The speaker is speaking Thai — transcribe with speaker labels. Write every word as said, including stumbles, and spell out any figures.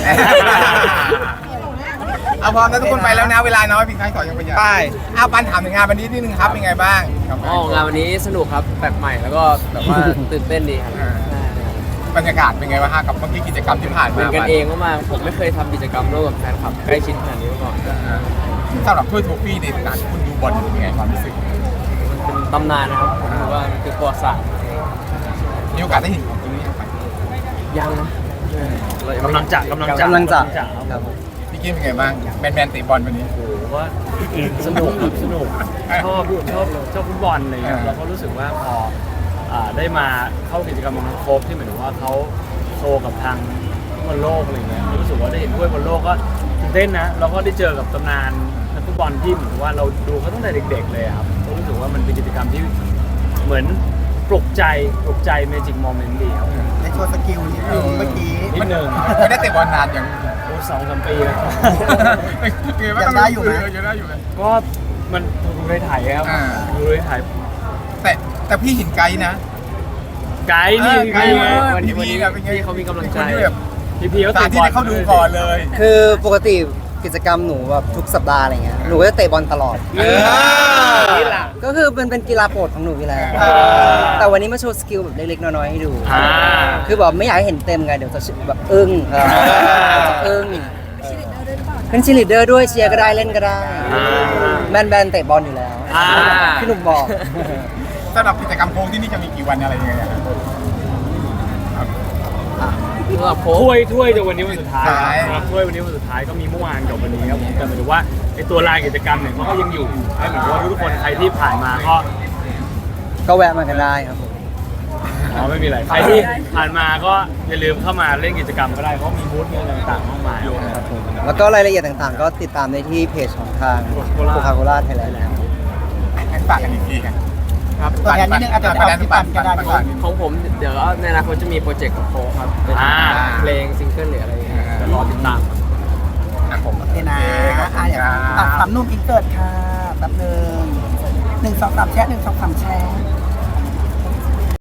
Speaker 1: เอาพร้อมแล้วทุกคนไปแล้วนะเวลาน้อยพี่ใครขอยังไปยังไปเอาปันถามถึงงานวันนี้นิดนึงครับเป็นไงบ้าง
Speaker 2: อ๋องานวันนี้สนุกครับแปลกใหม่แล้วก็แบบว่าตื่นเต้นดีครับ
Speaker 1: บรรยากาศเป็นไงบ้างฮะกับเมื่อกี้กิจกรรมที่ผ่าน
Speaker 2: เห
Speaker 1: มา
Speaker 2: มือนกันเองมากๆผมไม่เคยทำกิจกรรมร่วมกับแฟนคลับใกล้ชิดขนาดนี้มาก่อน
Speaker 1: สำหรับถ้วยโทฟี่ในการที่คุณดูบอลเป็นไงความรู้สึก
Speaker 2: มันเป็นตำนานนะครับผมถือว่ามันคือประวัติศาสตร์
Speaker 1: มีโอกาสได้เห็นของตรงนี้ไหม
Speaker 2: ยังนะ
Speaker 3: กำลังจะกำลังจะ
Speaker 4: กำลังจะ
Speaker 3: ครับผม
Speaker 1: พี่กี้เป็นไงบ้างแมนแมนเตะบอลวันนี้
Speaker 3: โอ้โหว่าสนุกครับสนุกชอบชอบชอบฟุตบอลอะไรเงี้ย
Speaker 1: อ่า
Speaker 3: เราก็รู้สึกว่าพออ่าได้มาเข้ากิจกรรมของโค้ชที่เหมือนว่าเขาโชว์กับทางบอลโลกอะไรเงี้ยรู้สึกว่าได้เห็นถ้วยบอลโลกก็ตื่นเต้นนะเราก็ได้เจอกับตำนานนักฟุตบอลที่เหมือนว่าเราดูเขาตั้งแต่เด็กๆเลยครับก็รู้สึกว่ามันเป็นกิจกรรมที่เหมือนปลุกใจปลุกใจเมจิกโมเมนต์ดีครับ
Speaker 4: ในโชว์สกิลนิดนึงเมื่อกี้
Speaker 3: นิดนึง
Speaker 1: ไม่ได้เตะบอลนานอย่าง
Speaker 3: โอ้สองสามปีแล้ว
Speaker 1: ยังได้อยู่ไหมยังได้อยู่ไหม
Speaker 3: ก็มันดูในถ่ายครับ
Speaker 1: อ่า
Speaker 3: ดูในถ่าย
Speaker 1: แต่แต่พี่เห็นไกด์นะ
Speaker 3: ไกด์นี่
Speaker 1: ไกด์
Speaker 3: ไง
Speaker 2: วันนี้
Speaker 1: พี่
Speaker 2: วันนี้
Speaker 1: แบบเป็นไง
Speaker 2: พี่เขามีกำลังใจ
Speaker 1: เป็นคนที่แบบ
Speaker 3: พี่พี่เขา
Speaker 1: สา
Speaker 3: เตะ
Speaker 1: ธิต
Speaker 3: บอล
Speaker 1: ให้เขาดูก่อนเลย
Speaker 4: คือปกติกิจกรรมหนูแบบทุกสัปดาห์อะไรเงี้ยหนูก็จะเตะบอลตลอด
Speaker 1: เออ
Speaker 3: นี่แหละ
Speaker 4: ก็คือมันเป็นกีฬาโปรดของหนูอยู่แล้ว
Speaker 1: เออ
Speaker 4: แต่วันนี้มาโชว์สกิลแบบเล็กๆน้อยๆให้ดู
Speaker 3: อ่า
Speaker 4: คือแบบไม่อยากให้เห็นเต็มไงเดี๋ยวจะแบบอึ้งเออจะอึ้งเป็นชีลิเดอร์ด้วยเชียร์ก็ได้เล่นก็ได้
Speaker 3: อ่า
Speaker 4: แบนแบนๆเตะบอลอยู่แล้ว
Speaker 3: อ่า
Speaker 4: พี่หนุ่มบอก
Speaker 1: สำหรับกิจกรรมโค้งที่นี่จะมีกี่วันอะไรยังไงอะครับ
Speaker 2: สำหรับโค้ช
Speaker 3: ถ้วยถ้วยจะวันนี้วันสุดท้าย
Speaker 1: ใช่
Speaker 3: ครับถ้วยวันนี้วันสุดท้ายก็มีเมื่อวานกับวันนี้ครับผมแต่หมายถึงว่าไอตัวลายกิจกรรมเนี่ยมันก็ยังอยู่ให้เหมือนกับว่าทุกคนใครที่ผ่านมาก็
Speaker 4: ก็แวะมากันได้ครับผม
Speaker 3: อ๋อไม่มีอะไรใครที่ผ่านมาก็อย่าลืมเข้ามาเล่นกิจกรรมก็ได้เพราะมีบูธมีอะไรต่างๆมากมายครับผม
Speaker 4: แล้วก็รายละเอียดต่างๆ ก็ติดตามได้ที่เพจของทางโคคาโคล่าไทยแลนด์
Speaker 1: ให้ฝากกันอีกทีกัน
Speaker 2: ครับ
Speaker 1: ตัวแทนนิดนึงอาจจะเอาที่ปั่นก็ได้ก่อน
Speaker 2: ของผมเดี๋ยวในอนาคตจะมีโปรเจกต์กับโค้ชครับเป็น
Speaker 3: อ่า
Speaker 2: เพลงซิงเกิลหรืออะไรอย่างเงี้ยเดี๋ยวรอติดตามครับ
Speaker 1: อ่ะผม
Speaker 5: โอเคนะอ่ะอย่าง
Speaker 1: ค
Speaker 5: ตั
Speaker 1: รั
Speaker 5: ด
Speaker 1: บ
Speaker 5: สามนุ่มอินเสิร์ตค่ะแป๊บหนึ่งหนึ่งสองสามแชะหนึ่งสองสามแชะ